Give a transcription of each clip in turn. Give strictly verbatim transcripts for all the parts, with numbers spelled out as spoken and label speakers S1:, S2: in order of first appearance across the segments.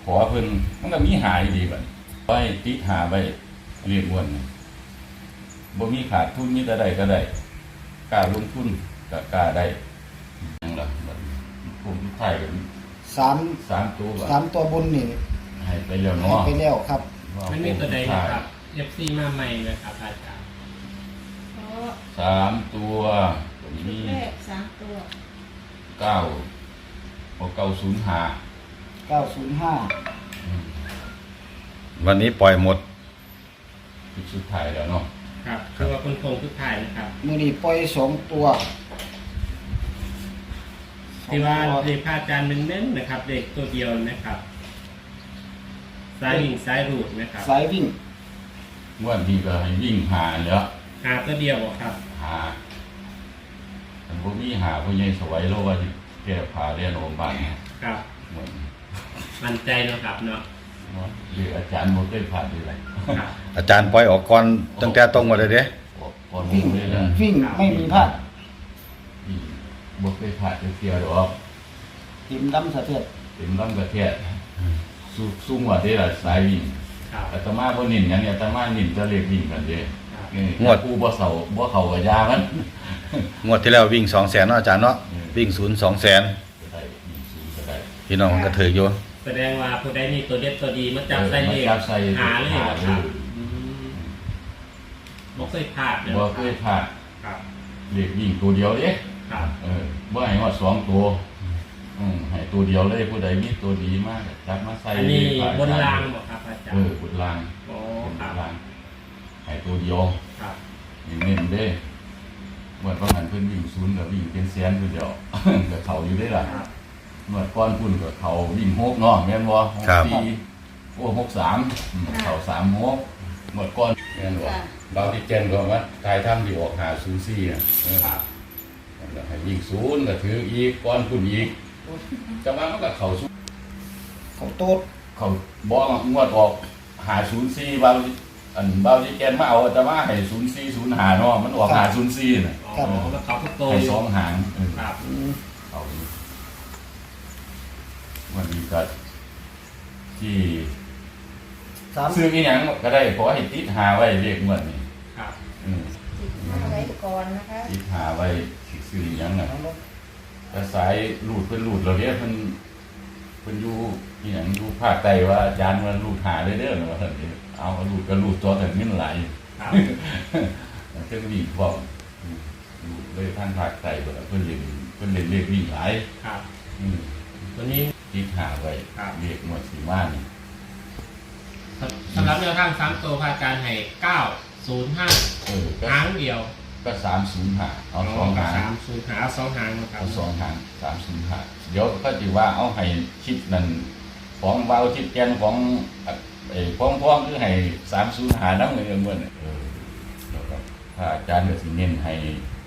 S1: ขอเพิ่นมันก็มีหายดีบัดไว้ติหาไว้เรียกอ้วนบ่มีขาดทุนมีแต่ได้ก็ได้กล้าลงทุนก็กล้าได้ยังล่ะบัดผมไทยกัน
S2: สาม
S1: สามตัวบัด
S2: สามตัวบนนี่
S1: ให้ไปแล้ว
S2: ให้
S1: เนาะ
S2: ไปแล้วครับ
S3: มันมีตัวใดนะครับ เอฟ ซี มาใหม่นะครับอาจารย์
S4: เพราะ
S1: สามตัวผม
S4: ชุ
S1: มี
S4: ดแรกสามตัว
S1: เก้าเอาเก้าศูนย์ห้า
S2: เก้าศูนย์ห้า
S5: วันนี้ปล่อยหมด
S1: จุดสุดท้ายแล้วเนาะ
S3: ครับคือว่าคนโคงทุกถ่ายนะครับ
S2: มือนี้ปล่อยสองตัว
S3: ที่ว่า
S2: สอง
S3: เล
S2: ตัว
S3: ขพระอาจารย์เน้นๆนะครับเลขตัวเดียวนะครับสายวิ่งสายรูดนะครับ
S2: สายวิ่ง
S1: งวดนี้ก็ให้วิ่งหาแล้ว
S3: หาตัวเดียวบ่ครับ
S1: หาแต่พวกนี้หาพวกใหญ่สวยโลว่าที่แก้ผ้าเรียนโรงพยาบาลเนี่ย
S3: ครับ
S1: เหมือน
S3: มั่นใจเนาะครับเนาะ
S1: หรืออาจารย์โมเต้ผ่านดีไร
S3: ครับ
S5: อาจารย์ปล่อยออกก่อนตั้งแต่ตรงหมดเลยเด้
S1: ก่อน
S2: วิ่ง
S1: เลยนะ
S2: วิ่งไม่มีพลาด
S1: บวกไปผ่านเสียหรอก
S2: ทีมดำสะเทือน
S1: เต็มลำกระเทียสู้สู้หัวได้ละสายวิ่ง
S3: ครับ
S1: อาตมาบ่นิ่นอย่างนี้อาตมานิ่นจะเรียกวิ่งกันเด้
S3: ครับ
S1: งวดกูบ่เสาบ่เข้ากับยามัน
S5: งวดที่แล้ววิ่งสองแสนเนาะอาจารย์เนาะวิ่งศูนย์สองแสน
S1: ก็ได้วิ่งสูงก็ได้
S5: พี่น้องมันก็ถืออยู่
S3: แสดงว่าผู้ใดมีตัวเด็ดตัวดีมาจับใส่เลข
S1: มาจับใส่
S3: หาเลย
S1: หา
S3: เหรอ
S1: เล
S3: ครับ
S1: ย
S3: อืมบ่เคยพลาดเลย
S1: บ่เคยผ่าน
S3: ครับ
S1: เรียกวิ่งตัวเดียวเด้
S3: ครับ
S1: เออบ่ให้ว่าสองตัวอืมให้ตัวเดียวเลยผู้ใดมีตัวดีมากจับมาใส่
S3: อันนี้
S1: ผ่
S3: บนรางบ่ครับอาจาร
S1: เอ
S3: ย์
S1: อบนราง
S3: โอ้
S1: บน
S3: ครับ
S1: รางให้ตัวเดียว
S3: ครับ
S1: เน้นๆเด้เมื่อประมาณเพิ่นวิ่งศูนย์ก็วิ่งเป็นแสนผู้เดียว ก็เขาอยู่ได้ล่ะ
S3: ครับ
S1: เมื่อก้อนพุ่นก็เขาวิ่งหกเนาะแม่นบ่หกสี่โอ้หกสามอืมเขาสามหกเมื่อก้อนแม่นบ่บางที่เจนก็ว่าทายถ้ำที่ออกหาศูนย์สี่อ่ะเออ
S3: ครับ
S1: แล้วให้วิ่งศูนย์ก็ถืออีกก้อนพุ่นอีกจังหวะมันก็เข้าศูนย์
S2: เขาโต๊ด
S1: เขาบ่งวดออกหาศูนย์สี่บางอันบางที่แกนมาเอาแต่ว่าให้ศูนย์สี่ศูนย์หาเนาะมันออกหาศูนย์สี่น่ะ
S3: อ๋อแล้วเขาทุกโต
S1: ให้
S3: อยู่
S1: สองหางเออ
S3: ครับ
S2: อืม
S1: เอาอยู่วันนี้ก็ที่
S2: สาม
S1: ซื้ออีหยังก็ได้ขอให้ติดหาไว้เรียกเงินนี่
S3: ครับ
S1: อืม
S4: ติดมาไว้ก่อนนะคะ
S1: ติดหาไว้สิซื้ออีหยังน่ะแต่สายรูดเพิ่นรูดเราเรียกเพิ่นเพิ่นอยู่อีหยังอยู่ภาคใต้ว่าอาจารย์มันรูดหาเลยเด้อว่าซั่นนี่เอารูดก็รูดตัวแต่เงินหลาย
S3: ครับ
S1: เพิ่นวิ่งพร้อมอืมรูดเลยทางภาคใต้เพิ่นเพิ่นเล่นเพิ่นเล่นเลขวิ่งหลาย
S3: ครับ
S1: อืม
S3: ตัวนี้
S1: ติดหาไว้
S3: ครับ
S1: เรียกหมวดสีมานี่
S3: สำหรับแนวทางสามตัวพระอาจารย์ให้เก้าศูนย์ห้า
S1: เออก็
S3: หางเดียว
S1: ก็สามศูนย์หาเอาสองหาง
S3: สามศูนย์หาเอาสองหางนะครับ
S1: เอาสองหางสามศูนย์หาเดี๋ยวก็จะว่าเอาให้ชิดนั่นของเบาชิดแกนของไอ้พ้องพ้องคือให้สามศูนย์หาน้ำเงินเงินเออแล้วก็ถ้าอาจารย์ก็สิเน้นให้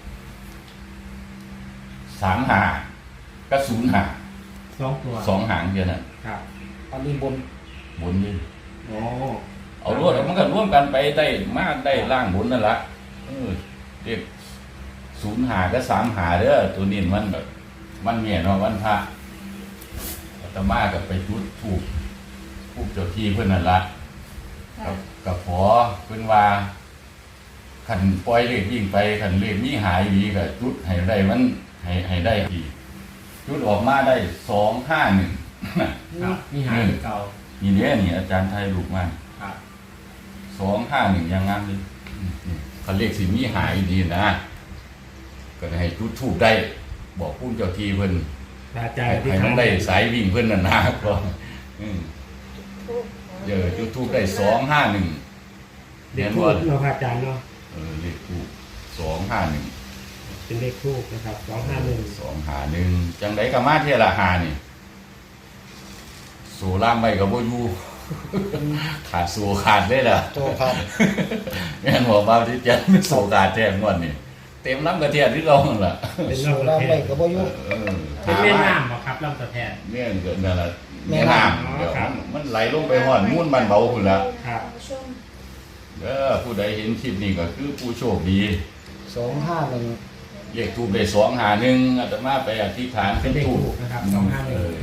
S1: สามหาก็ศูนย์หา
S3: สองตัว
S1: สองหางเดียวนั่น
S3: ครับ
S2: อันนี้บน
S1: บนนี่
S3: โอ้
S1: เอารวดมันก็ร่วมกันไปได้มากได้ล่างบนนั่นละเออเด็กศูนย์หาก็สามหาเด้อตัวนี้มันแบบมันเมียเนาะวันพระอาตมากับไปจุดถูกผูกเจ้าที่เพื่อนนั่นละ
S4: ค่ะ
S1: กับกับขอเพื่อนว่าขันปล่อยเลขยิ่งไปขันเลขนี้หายดีกับจุดให้ได้มันให้ให้ได้ดีจุดออกมาได้สองห้าหนึ่ง
S3: ครับนี่หางเก่า
S1: นี่เนี้ยนี่อาจารย์ไทยลูกมา
S3: ครับ
S1: สองห้าหนึ่งยังงามเลยเขาเรียกสิมีหายดีนะ ก็ให้จุดทูบได้ บอกพูดเจ้าทีเพิ่น
S3: พระอาจาร
S1: ให้
S3: ย์ที่
S1: ให้มันได้สายวิ่งเพิ่นน่ะนะก็อืม
S4: ทูบ
S1: เดี๋ยวจุดทูบได้สองห้าหนึ่ง
S3: เด็
S1: เนี
S3: ก
S1: ยน
S3: ทู
S1: ว่า
S3: บเนาะพระอาจารย์เนาะ
S1: เออเลขทูบสองห้าหนึ่ง
S3: เป็นเลขทูบนะครับสองห้าหนึ่ง
S1: สองหาหนึ่งจังไดก็มาเทละหานี่โซล่ามไปกับโบอยูขาดโซขาดได้ล่ะ
S2: ตัวครับ
S1: แม่นบอกว่าที่จะไม่โซขาดแท้งวดนี่เต็มลำกระเทียมที่เราหั่นล่ะ
S3: เป็น
S2: สู
S3: ลำ
S2: รา
S3: ตะ
S2: ม
S3: แท
S2: ไป
S3: น
S2: กับบ่อยู่
S1: เออ
S3: เป็นแม่น้ำเหรอครับลำตะแทน
S1: เนี่ยเกิดนั่นแหละ
S2: แม่
S1: แม่
S2: น้ำ
S1: น้ำเดี๋ยวมันมันไหลลงไปหอดมุ่นมันเบาคุณละ
S3: ครับ
S4: ท่านผู้ชม
S1: เด้อผู้ใดเห็นคลิปนี้ก็คือผู้โชคดี
S2: สองห้าหนึ่ง
S1: เลขทูบได้สองหาหนึ่งอาตมาไปอธิษฐาน
S3: เป็นเลข
S1: ทูบ
S3: ทูบนะครับสองห้าหนึ่ง
S1: เออ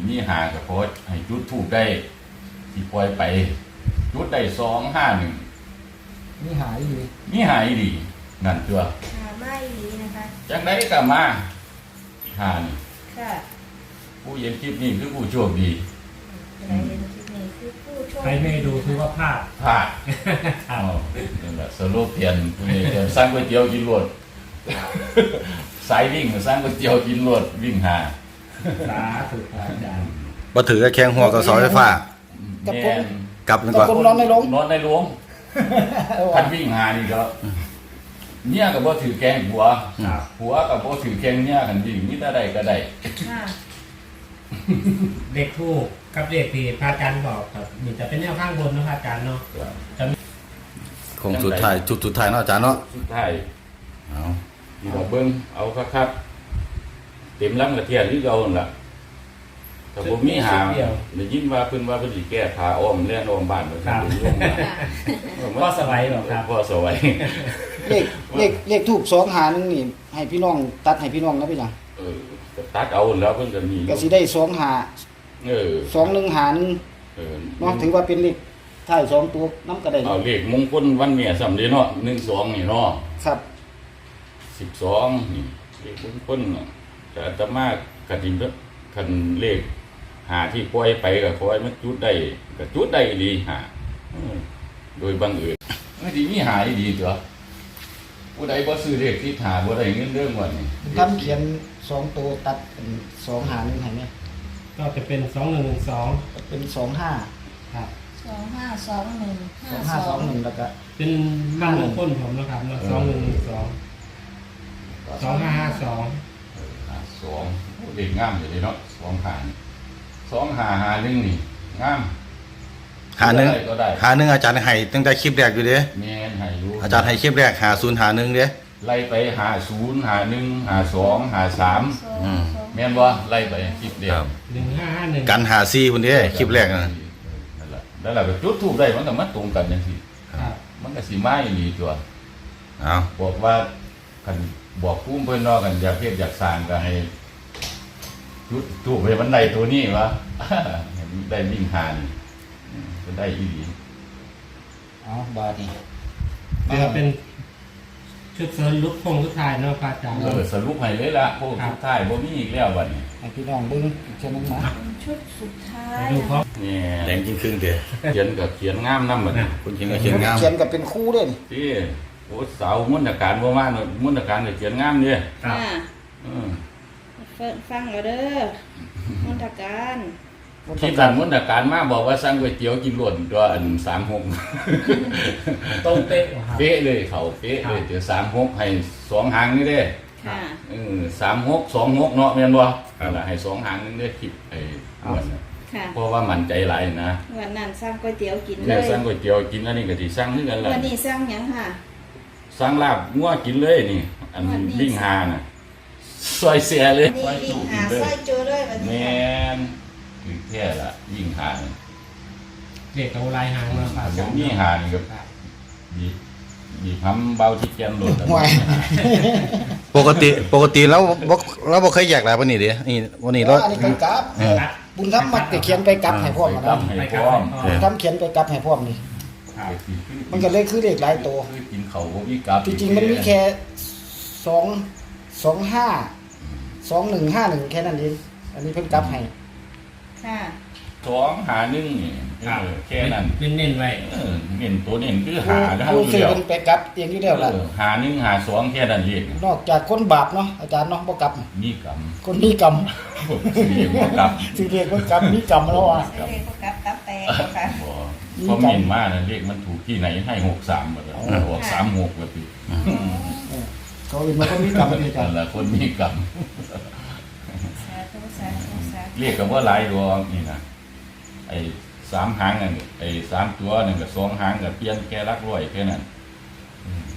S1: มีหากับโพสให้จุดถูกได้ที่ปล่อยไป จุดได้สองห้าหนึ่ง
S2: นี่หายอยู่
S1: มีหายดีนั่นตัว
S4: หาไม่ดีนะคะ
S1: จังได้ก็มาหานี่
S4: ค่ะ
S1: ผู้เห็นคลิปนี้คือผู้โชคดี
S4: อะไรเห็นคลิปนี้คือผู้โชค
S3: ใครไม่ดูถือว่าพลาด
S1: พลาดอ้าวนั่นแหละสโลเพียนผู้นี้เพียนสร้างก๋วยเตี๋ยวกินรวดสายวิ่งสร้างก๋วยเตี๋ยวกินรวดวิ่งหา
S3: สาธุครับอาจารย์
S5: บ่ถือกับแข้งหัวกับเสาไฟฟ้า
S2: กับผ
S1: แม่
S2: ม
S1: น
S5: กลับนึก
S2: กับ
S5: ว่า
S2: ผมนอนในโรง
S1: นอนในหลวง
S2: เออ
S1: พั
S2: ว่ะ
S1: นวิ่งหานี่ก็เนี่ยก็บ่ถือแกงหัว
S3: ครับ
S1: หัวก็บ่ถือแกงเนี่ยกันวิ่งมีแต่ใดก็ได้
S4: ค่ะ
S3: เลขทูกกับเลขที่พระอาจารย์บอกครับนี่จะเป็นแนวข้างบนนะพระอาจารย์เนาะ
S5: คงสุดท้ายจุดสุดท้ายเนาะอาจารย์เนาะ
S1: สุดท้าย
S5: เอา
S1: นี่เราเบิ่งเอาคักๆเต็มลำกระเทียนหรือเก่านั่นล่ะแต่บ่มีหาได้ยินว่าเพิ่นว่าเพิ่นสิแก้ผ้าอ้อมแล่นอ้อมบ้านเพิ่นสิลงมา
S3: ก็สบายหรอครับ
S1: พ่อสวัย
S2: เลขเลขเลขทูบสองหาหนึงนี่ให้พี่น้องตัดให้พี่น้องนะพี่จัง
S1: เออก็ตัดเอาแล้วเพิ่นก็มี
S2: ก็สิได้สองหา
S1: เออ
S2: สองหนึ่งหาหนึง
S1: เออ
S2: เนาะถือว่าเป็นเลขท้ายสองตัวน้ำก็ได้
S1: เอาเลขมงคลวันแม่สำเร็จเนาะหนึ่งสองนี่เนาะ
S2: ครับ
S1: สิบสองนี่เลขมงคลน่ะแต่อาตมาก็สิคันเลขหาที่ปล่อยไปก็ขอให้มันจุดได้ก็จุดได้ดีหาเออโดยบังเอิญมันสิมีหาดีตัวผู้ใดบ่ซื้อเลขที่หาบ่ได้เงินเรื่องวันนี้
S2: ทำเขียนสองตัวตัดเป็นสองหาหนึ่งให้ไหม
S3: ก็จะเป็นสองหนึ่งสอง
S2: เป็นสองห้า
S3: ครับ
S4: สองห้าสองหนึ่ง
S2: สองห้าสองหนึ่งแล้วก็
S3: เป็นบ้านมงคลผมนะครับเนาะสองหนึ่งสองสองห้าห้าสอง
S1: เออหาสองโอ้เด็กงามอยู่เลยเนาะสองหานี่สองหาหาหนึ่งนี่งาม
S5: หาหนึ่ง
S1: ได้ก็ได้
S5: หาหนึ่งอาจารย์ให้ตั้งแต่คลิปแรกอยู่เด้
S1: แม่นให้รู้
S5: อาจารย์ให้คลิปแรกหาศูนย์หาหนึ่งเด้
S1: ไล่ไปหาศูนย์หาหนึ่งหาสองหาสาม
S4: สอง
S5: อืม
S4: สอง
S1: แม่นบ่ไล่ไปคลิปเดียว
S3: หนึ่งห้าห้าหนึ่ง
S5: กันหาซี่คนเด้คลิปแรกนะ
S1: นั่นแหละแล้วเราก็จุดทูบได้มันก็มาตรงกันจังซี่
S3: ครับ
S1: มันก็สิมาอีหลีตัว
S5: เอา
S1: บอกว่าคันบอกภูมิเพิ่นเนาะกันอยากเฮ็ดอยากสร้างก็ให้จุดทูบให้มันได้ตัวนี้วะ ให้มันได้วิ่งหานี่อืมก็ได้อีหลี
S2: เอาบาทนี่
S3: นี่ก็เป็นชุดเสริมลุกพงลุกทายเนาะพระอาจารย์
S1: เออสรุปให้เลยล่ะพวกสุดท้ายบ่มีอีกแล้วบัดนี้
S2: ให้พี่น้องเบิ้งอีกเช่นนึงนะ
S4: เป็นชุดสุดท้าย
S3: ดูพร้อม
S1: นี่
S5: แดงจริงครึ่งเด้
S1: เขียนก็เขียนงามนำบัดนี้
S5: คุณเขียนก็เขียนงาม
S2: เขียนกับเป็นคู่ด้วยนี่
S1: ที่โอ้สาวมุนต์การบ่มาเนอะมุนต์การก็เขียนงามเด้
S3: ครับ
S4: ค่ะ
S1: อือ
S4: ฟังแล้วเด้อมนตการ
S1: ที่การมุนต์การมาบอกว่าสั่งก๋วยเตี๋ยวกินล้วนตัวอันสามหก
S3: ตรงเป๊ะเหรอครับ
S1: เป๊ะเลยเขาเป๊ะเลยเดี๋ยวสามหกให้สองหางนี่เด้
S4: ค่ะ
S1: เออสามหกสองหกเนาะแม่นบ่นั่นล่ะให้สองหางนึงเด้คลิปไอ้อ้วนน่ะ
S4: ค่ะ
S1: เพราะว่ามั่นใจหลายนะ
S4: วันนั้นสร้างก๋วยเตี๋ยวกินเล
S1: เนี่ย
S4: ย
S1: สั่งก๋วยเตี๋ยวกินอันนี้ก็สิสั่งคือกันล่ะ
S4: วันนี้สร้างหยังค่ะ
S1: สั่งลาบงัวกินเลยนี่ อัน
S4: วันนี้
S1: วิ่งหาน่ะซอยเสียเลย
S4: วันนี้วิ่งหา
S1: เลย
S4: สร้อยโจเลยวัน
S1: แม
S4: นี้ค่ะ
S1: นคือแค่ละยิ่งหานี่
S3: เด็กเอาลายหางมาฝาก
S1: ผมมีหานี่ก็
S3: ครับ
S1: บีบบีบทำเบาที่แกนโดด
S2: ห่วย
S5: ปกติปกติแล้วบ่เราบ่เคยแยกหลายปานนี้เด้นี่วันนี้เรา
S2: อันนี้ไปกลับ
S5: เออ
S2: บุญธรรมมักจะเขียนไปกลับให้พร้อม
S1: ไป
S2: นะ
S1: ตั้มให้พร้อม
S5: เออ
S2: ทำเขียนไปกลับให้พร้อมนี่
S3: ครับ
S2: มันก็เลยคือเลขหลายตัว
S1: คือกินเขาวบ่มีกลับ
S2: จริงๆมันมีแค่สองสองห้าสองหนึ่งห้าหนึ่งแค่นั้นเองอันนี้เพิ่นกลับให้
S4: ค่ะ
S1: สองหาหนึ่งนี่เออแค่นั้น
S3: เน้นๆไว้
S1: เออเน้นตัวเน้นคือ
S2: ผู้
S1: หาได้
S2: ผู้
S1: อยู่
S2: ซื้อ
S1: แล้ว
S2: เพิ่นไปกลับเองอยู่แล้วล่ะ
S1: เออหาหนึ่งหาสองแค่นั้นเอง
S2: นอกจากคนบาปเนาะอาจารย์เนาะบ่กลับ
S1: มีกรรม
S2: คนมีกรรม
S1: สิเรียกว่ากรรม
S2: สิเรียกว่ากรรมมีกรรมแล้วอ่ะ
S4: ใส่เลขก็กลับตับแตกค่ะ
S1: บ่คอมเมนต์มานะเลขมันถูกที่ไหนให้หกสามหมดเลยออกสามหกแบบนี้
S2: เขาเป็นมาคนมีกรรมนี่อาจาร
S1: นั่น
S2: ย์
S1: แหละคนมีกรรม
S4: สาธุสาธุสาธุ
S1: เรียกกันว่าหลายดวงนี่นะไอ้สามหางนั่นไอ้สามตัวนั่นกับสองหางกับเปลี่ยนแค่รักร้อยแค่นั้นอืม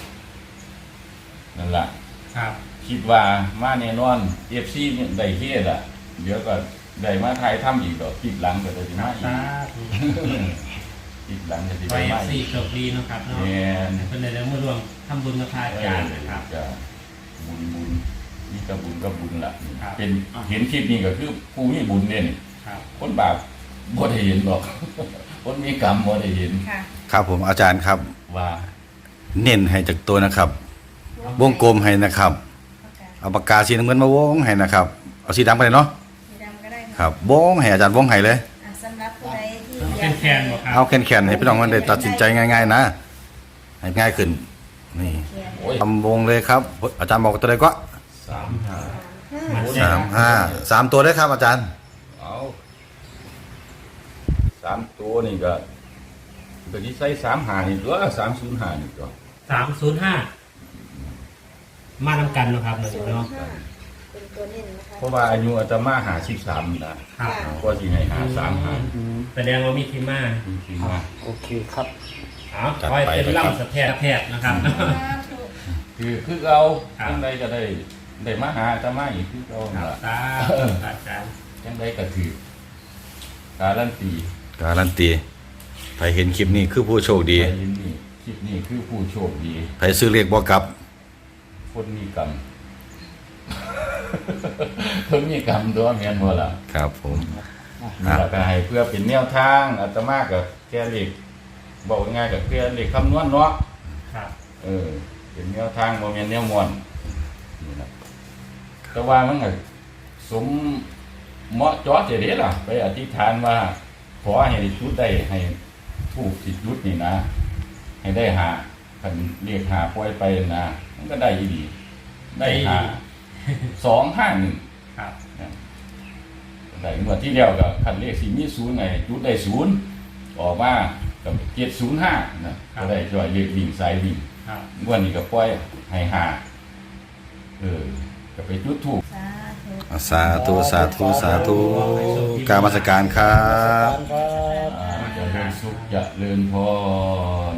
S1: นั่นแหละ
S3: ครับ
S1: คิดว่ามาแน่นอนเอฟซีเนี่ยได้เฮ็ดอ่ะเดี๋ยวก็ได้มาถ่ายทำอีกดอกคลิปหลังก็จะมาอีก
S3: สาธุ
S1: คลิปหลังก็จะ
S3: ไป
S1: ได้มาอี
S3: สี่
S1: ก
S3: จบดีเนาะครับเนาะ
S1: แม่น
S3: เป็นในเรื่องมารวมทำบุญกับพระอาจารย์นะครับ
S1: จะบุญบุญมีกระบุญกระบุญละเป็นเห็นคลิปนี้ก็คือผู้มีบุญเนี่ยนี่
S3: ครับ
S1: คนบาปบ่ได้เห็นหรอก คนมีกรรมบ่ได้เห็น
S4: ค่ะ
S5: ครับผมอาจารย์ครับ
S1: ว่า
S5: เน้นให้จากตัวนะครับ วงกลมให้นะครับ เอาปากกาสีน้ำเงินมาวงให้นะครับ เอาสีดำไปเลยเนาะ
S4: สีดำก็ได้
S5: ครับวงให้อาจารย์วงให้เลย
S4: อ่ะสำหรับผู้ใดที่
S3: เอา
S4: อยาก
S3: แคนๆบ่ครับ
S5: เอาแข็งๆให้พี่น้องมันได้ตัดสินใจง่ายๆนะให้ง่ายขึ้นนี่
S4: เขียน
S1: โอ้ย
S5: ทำวงเลยครับ อาจารย์บอกตัวใดก็
S1: สามห้า
S4: ห้า
S5: สามห้าสามตัวได้ครับ อาจารย์
S1: เอาสามตัวนี่ก็ก็ที่ใส่สามหานี่ตัวสามศูนย์หานี่ตัว
S3: สามศูนย์ห้ามาทำกันเนาะครับหนึ่ง
S4: ศูนย์
S3: เนาะ
S4: ห้าเป็นตัวเน้นนะคะ
S1: เพราะว่าอายุอาตมาหาสิบสามนะครับ ก็สิให้หาสามหา
S3: แสดงว่ามีที่มา
S1: จริงๆว่า
S2: โอเคครับ
S3: เอา
S5: จัด
S3: คอย
S5: ไป
S3: เป็น
S5: ครับ
S3: ล่ำสะแพทแพทย์นะครับ
S1: คือคือเอา
S3: ครับ
S1: จังใดก็ได้ได้มาหาอาตมาอีกคือเอา
S3: ครับ
S1: ล่ะ
S3: ตาอาจารย์
S1: จังใดก็ถือการันตี
S5: การันตีใครเห็นคลิปนี้คือผู้โชคดี
S1: ไปยินนี่คลิปนี้คือผู้โชคดี
S5: ใครซื้อเลขบ่กลับ
S1: คนมีกรรม คนมีกรรมตัวแม่นบ่ล่ะ
S5: ครับผม
S1: นี่ล่ะก็ให้เพื่อเป็นแนวทางอาตมาก็แค่เลขบอกง่ายๆก็แค่เลขคำนวณเนาะ
S3: ครับ
S1: เออเป็นแนวทางโมเมนแนวมวนนี่นะแต่ว่ามันก็สมเหมาะเจอดเจเด้ล่ะ ไปอธิษฐานว่า ขอให้จุดได้ให้ถูกสิจุดนี่นะ ให้ได้หาคันเรียกหาปล่อยไปนะมันก็ได้อีดี ได้หาสองห้าหนึ่ง
S3: ครับ
S1: ได้เมื่อที่เดียวกับคันเลขสี่มีศูนย์ไงจุดได้ศูนย์ออกมากับเจ็ดศูนย์ห้านะก็ได้จ่อยเลขวิ่งสายวิ่ง
S3: ครับ
S1: งวันนี้ก็ปล่อยให้หาเออก็ไปจุดถูก
S4: สาธุ
S5: สาธุสาธุสาธุกรารมาสการครับ
S2: ครับ
S1: จะเริญสุขจะเริญพร